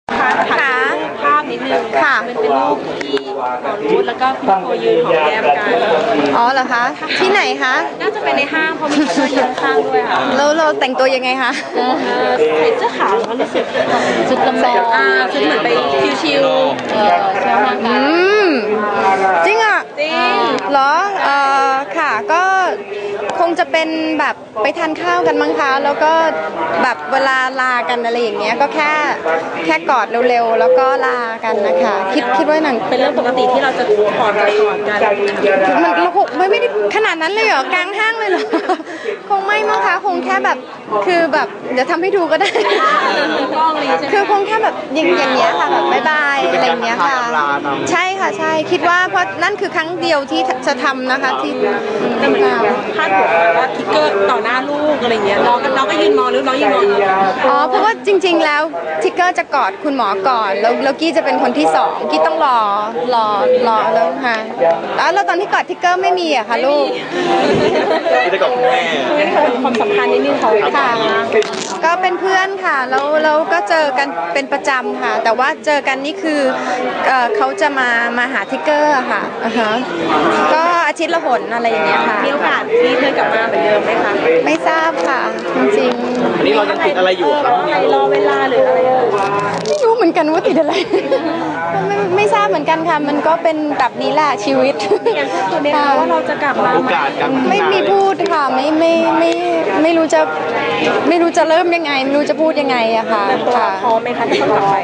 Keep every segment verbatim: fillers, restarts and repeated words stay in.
ค่ะค่ะภาพนิดนึงค่ะเป็นเป็นรูปที่หมอรูทแล้วก็พี่โคยืนหอมแก้มกันอ๋อเหรอคะที่ไหนคะน่าจะเป็นในห้างเพราะมีคนยืนข้างด้วยค่ะแล้วเราแต่งตัวยังไงคะใส่เสื้อขาวแล้วรู้สึกชุดลำลองอ่าชุดเหมือนไปชิวๆเออเที่ยวห้างกันอืมจริงอ่ะจริงเหรอเออค่ะก็คงจะเป็นแบบไปทานข้าวกันมั้งคะแล้วก็แบบเวลาลากันอะไรอย่างเงี้ยก็แค่แค่กอดเร็วๆแล้วก็ลากันนะคะคิดคิดว่าหนังเป็นเรื่องปกติที่เราจะถอดใจถอดกันมันเราคงไม่ได้ขนาดนั้นเลยเหรอกลางห้างเลยเหรอคงไม่มั้งคะคงแค่แบบคือแบบเดี๋ยวทำให้ดูก็ได้คือคงแค่แบบอย่างอย่างเงี้ยค่ะแบบบายบายอะไรอย่างเงี้ยค่ะใช่ค่ะใช่คิดว่าเพราะนั่นคือครั้งเดียวที่จะทำนะคะที่แต่เหมือนพาดหัวว่าทิกเกอร์ต่อหน้าลูกอะไรเงี้ยน้องน้องก็ยืนมองหรือน้องยืนมองอ๋อเพราะว่าจริงๆแล้วทิกเกอร์จะกอดคุณหมอก่อนแล้วแล้วกี้จะเป็นคนที่สองกี้ต้องรอรอรอแล้วค่ะแล้วตอนที่กอดทิกเกอร์ไม่มีอะค่ะลูกไม่ได้กอดคุณแม่ความสัมพันธ์นิดนึงเขาค่ะก็เป็นเพื่อนค่ะแล้วเราก็เจอกันเป็นประจำค่ะแต่ว่าเจอกันนี่คือเขาจะมามาหาทิกเกอร์ค่ะก็อาทิตย์ละหนอะไรอย่างเงี้ยค่ะมีโอกาสที่เธอกลับมาเหมือนเดิมไหมคะไม่ทราบค่ะจริงๆอันนี้เรายังติดอะไรอยู่ครับใครรอเวลาหรืออะไรไม่รู้เหมือนกันว่าติดอะไรไม่ไม่ทราบเหมือนกันค่ะมันก็เป็นแบบนี้แหละชีวิตอย่างพูดตัวเองว่าเราจะกลับมาไม่มีพูดค่ะไม่ไม่ไม่ไม่รู้จะไม่รู้จะเริ่มยังไงไม่รู้จะพูดยังไงอะค่ะค่ะพร้อมไหมคะที่ต้องกลับไป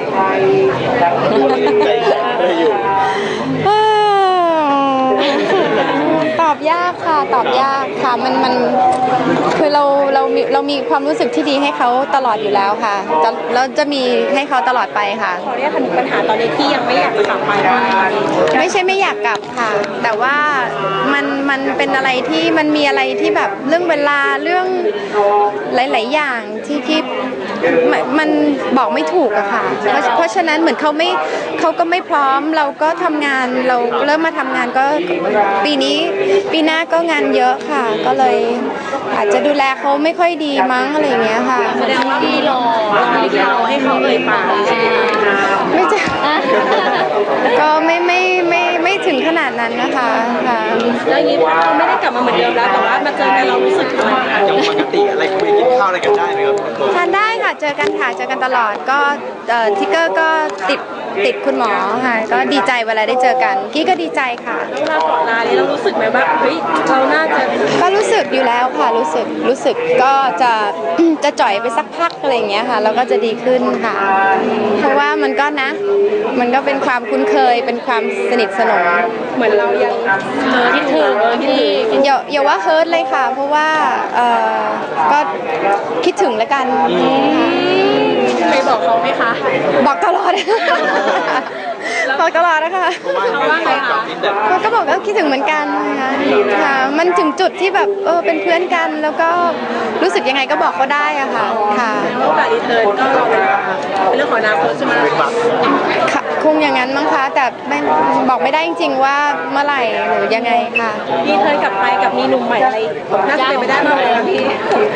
ตอบยากค่ะตอบยากค่ะมันมันคือเราเรามีเรามีความรู้สึกที่ดีให้เขาตลอดอยู่แล้วค่ะจะเราจะมีให้เขาตลอดไปค่ะขอเรียกปัญหาตอนนี้ที่ยังไม่อยากกลับไปไม่ใช่ไม่อยากกลับค่ะแต่ว่ามันมันเป็นอะไรที่มันมีอะไรที่แบบเรื่องเวลาเรื่องหลายๆอย่างที่ที่มันบอกไม่ถูกอะค่ะเพราะเพราะฉะนั้นเหมือนเขาไม่เขาก็ไม่พร้อมเราก็ทำงานเราเริ่มมาทำงานก็ปีนี้ปีหน้าก็งานเยอะค่ะก็เลยอาจจะดูแลเขาไม่ค่อยดีมั้งอะไรอย่างเงี้ยค่ะแสดงว่าพี่รอที่เราให้เขาเลยป่าไม่จะก็ไม่ไม่ไม่ไม่ถึงขนาดนั้นนะคะค่ะแล้วนี้ว่าเราไม่ได้กลับมาเหมือนเดิมแล้วแต่ว่ามาเจอกันเรารู้สึกอะไรอย่างปกติอะไรคุยกินข้าวอะไรกันได้ไหมครับทานได้ค่ะเจอกันค่ะเจอกันตลอดก็ทิกเกอร์ก็ติดติดคุณหมอค่ะก็ดีใจเวลาได้เจอกันกี้ก็ดีใจค่ะเวลาก่อนลาเนี่ยเรารู้สึกไหมว่าเฮ้ยเราน่าจะก็รู้สึกอยู่แล้วค่ะรู้สึกรู้สึกก็จะจะจ่อยไปสักพักอะไรอย่างเงี้ยค่ะแล้วก็จะดีขึ้นค่ะเพราะว่ามันก็นะมันก็เป็นความคุ้นเคยเป็นความสนิทสนมเหมือนเรายังเออที่ถึงเออที่อย่าอย่าว่าเฮิร์ตเลยค่ะเพราะว่าเออก็คิดถึงแล้วกันเคยบอกเขาไหมคะบอกตลอดบอกตลอดนะคะเขาว่าไงคะก็บอกว่าคิดถึงเหมือนกันนะคะค่ะมันถึงจุดที่แบบเออเป็นเพื่อนกันแล้วก็รู้สึกยังไงก็บอกเขาได้อะค่ะค่ะโอกาสรีเทิร์นก็รอเป็นเรื่องของอนาคตใช่ไหมคงอย่างนั้นมั้งคะแต่ไม่บอกไม่ได้จริงๆว่าเมื่อไหร่หรือยังไงค่ะรีเทิร์นกลับไปกับมีหนุ่มใหม่อะไรน่าจะเป็นไปได้มากเลยนะพี่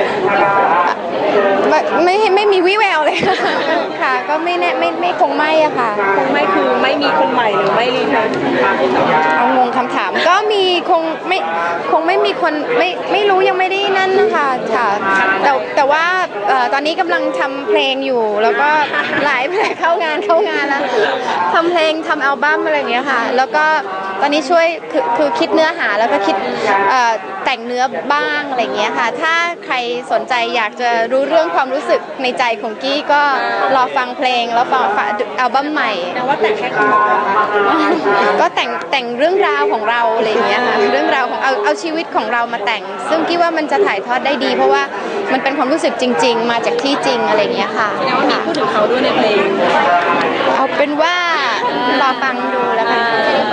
ไม่ไม่มีวิแววเลยค่ะก็ไม่แน่ไม่ไม่คงไม่อะค่ะคงไม่คือไม่มีคนใหม่หรือไม่รีเทิร์นเอางงคำถามก็มีคงไม่คงไม่มีคนไม่ไม่รู้ยังไม่ได้นั่นนะคะค่ะแต่แต่ว่าตอนนี้กำลังทำเพลงอยู่แล้วก็หลายเพลงเข้างานเข้างานแล้วทำเพลงทำอัลบั้มอะไรอย่างเงี้ยค่ะแล้วก็ตอนนี้ช่วยคือคือคิดเนื้อหาแล้วก็คิดแต่งเนื้อบ้างอะไรอย่างเงี้ยค่ะถ้าใครสนใจอยากจะรู้เรื่องความรู้สึกในใจของกี้ก็รอฟังเพลงแล้วฟังอัลบั้มใหม่แต่ว่าแต่งแค่คุณหมอก็แต่งแต่งเรื่องราวของเราอะไรอย่างเงี้ยค่ะเรื่องราวของเอาเอาชีวิตของเรามาแต่งซึ่งกี้ว่ามันจะถ่ายทอดได้ดีเพราะว่ามันเป็นความรู้สึกจริงๆมาจากที่จริงอะไรอย่างเงี้ยค่ะแสดงว่ามีพูดถึงเขาด้วยในเพลงเอาเป็นว่ารอฟังดูแล้วกัน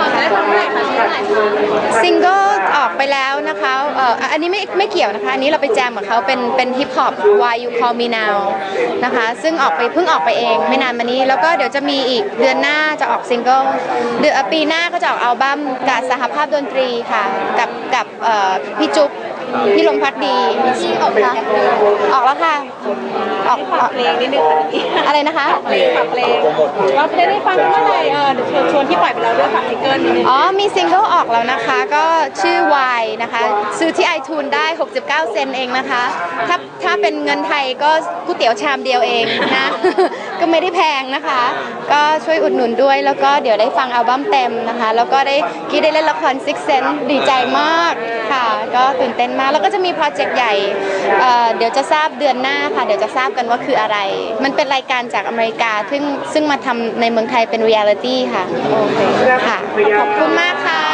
ซิงเกิลออกไปแล้วนะคะเอ่ออันนี้ไม่ไม่เกี่ยวนะคะอันนี้เราไปแจมกับเขาเป็นเป็นฮิปฮอป Why You Call Me Now นะคะซึ่งออกไปเพิ่งออกไปเองไม่นานมานี้แล้วก็เดี๋ยวจะมีอีกเดือนหน้าจะออกซิงเกิลเดือนปีหน้าก็จะออกอัลบั้มกับสหภาพดนตรีค่ะกับกับพี่จุ๊บพี่ลมพักดีออกค่ะออกแล้วค่ะออกออกเพลงนิดนึงค่ะอะไรนะคะเพลงฝากเพลงเราเพลงได้ฟังเมื่อไหร่เออเดี๋ยวชวนชวนที่ปล่อยไปแล้วด้วยฝากซิงเกิลนิดนึงอ๋อมีซิงเกิลออกแล้วนะคะก็ชื่อ Y นะคะซื้อที่ iTunes ได้หกสิบเก้าเซนต์เองนะคะถ้าถ้าเป็นเงินไทยก็ก๋วยเตี๋ยวชามเดียวเองนะ ก็ไม่ได้แพงนะคะ ก็ช่วยอุดหนุนด้วยแล้วก็เดี๋ยวได้ฟังอัลบั้มเต็มนะคะแล้วก็ได้กี้ได้เล่นละคร Six Sense ดีใจมากค่ะก็ตื่นเต้นมากแล้วก็จะมีโปรเจกต์ใหญ่เอ่อเดี๋ยวจะทราบเดือนหน้าค่ะเดี๋ยวจะทราบกันว่าคืออะไร มันเป็นรายการจากอเมริกาซึ่งซึ่งมาทำในเมืองไทยเป็นเรียลิตี้ค่ะโอเคค่ะขอบคุณมากค่ะ